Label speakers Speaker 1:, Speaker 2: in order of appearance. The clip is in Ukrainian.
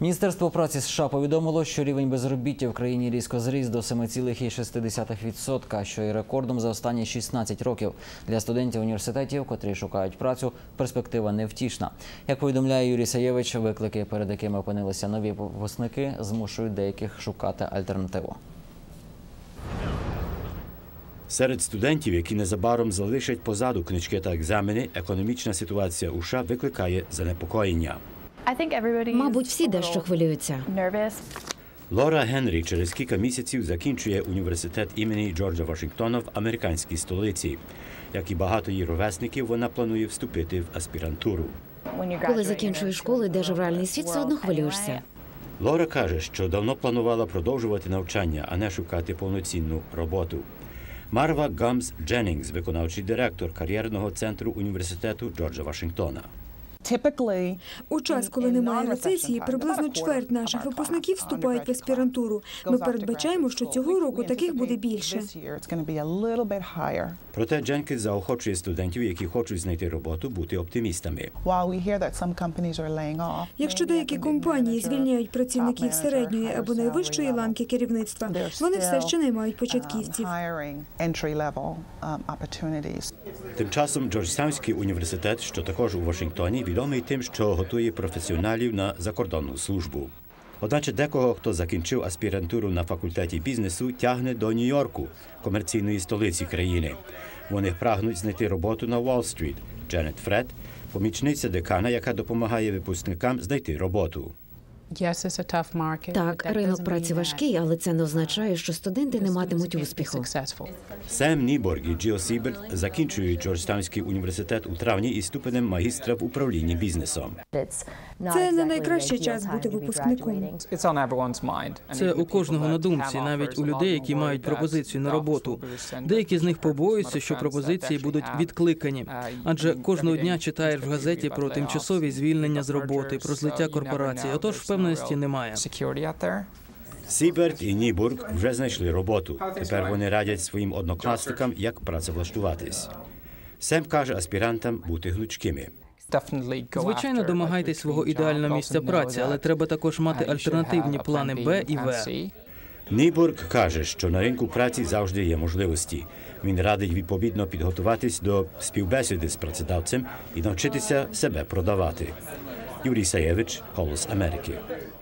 Speaker 1: Міністерство праці США повідомило, що рівень безробіття в країні різко зріс до 7,6%, що є рекордом за останні 16 років. Для студентів університетів, котрі шукають працю, перспектива невтішна. Як повідомляє Юрій Саєвич, виклики, перед якими опинилися нові випускники, змушують деяких шукати альтернативу.
Speaker 2: Серед студентів, які незабаром залишать позаду книжки та екзамени, економічна ситуація у США викликає занепокоєння.
Speaker 3: Мабуть, всі дещо хвилюються.
Speaker 2: Лора Генрі через кілька місяців закінчує університет імені Джорджа Вашингтона в американській столиці. Як і багато її ровесників, вона планує вступити в аспірантуру.
Speaker 3: Коли закінчуєш школу, йдеш в реальний світ, все одно хвилюєшся.
Speaker 2: Лора каже, що давно планувала продовжувати навчання, а не шукати повноцінну роботу. Марва Гамс Дженнінгс, виконавчий директор кар'єрного центру університету Джорджа Вашингтона.
Speaker 4: У час, коли немає рецесії, приблизно чверть наших випускників вступають в аспірантуру. Ми передбачаємо, що цього року таких буде більше.
Speaker 2: Проте Дженкінс заохочує студентів, які хочуть знайти роботу, бути оптимістами.
Speaker 4: Якщо деякі компанії звільняють працівників середньої або найвищої ланки керівництва, вони все ще наймають початківців.
Speaker 2: Тим часом Джорджтаунський університет, що також у Вашингтоні, відомий тим, що готує професіоналів на закордонну службу. Одначе декого, хто закінчив аспірантуру на факультеті бізнесу, тягне до Нью-Йорку, комерційної столиці країни. Вони прагнуть знайти роботу на Уолл-стріт. Дженет Фред – помічниця декана, яка допомагає випускникам знайти роботу.
Speaker 3: Так, ринок праці важкий, але це не означає, що студенти не матимуть успіху.
Speaker 2: Сем Ніборг і Джил Сіберт закінчують Джорджтаунський університет у травні із ступенем магістра в управлінні бізнесом.
Speaker 4: Це не найкращий час бути випускником.
Speaker 5: Це у кожного на думці, навіть у людей, які мають пропозицію на роботу. Деякі з них побоюються, що пропозиції будуть відкликані. Адже кожного дня читаєш в газеті про тимчасові звільнення з роботи, про злиття корпорацій. Отож, впевненості немає.
Speaker 2: Сіберт і Нібург вже знайшли роботу. Тепер вони радять своїм однокласникам, як працевлаштуватись. Сем каже аспірантам бути гнучкими.
Speaker 5: Звичайно, домагайтесь свого ідеального місця праці, але треба також мати альтернативні плани Б і В.
Speaker 2: Нібург каже, що на ринку праці завжди є можливості. Він радить відповідно підготуватись до співбесіди з працедавцем і навчитися себе продавати. Юрій Саєвич, «Голос Америки».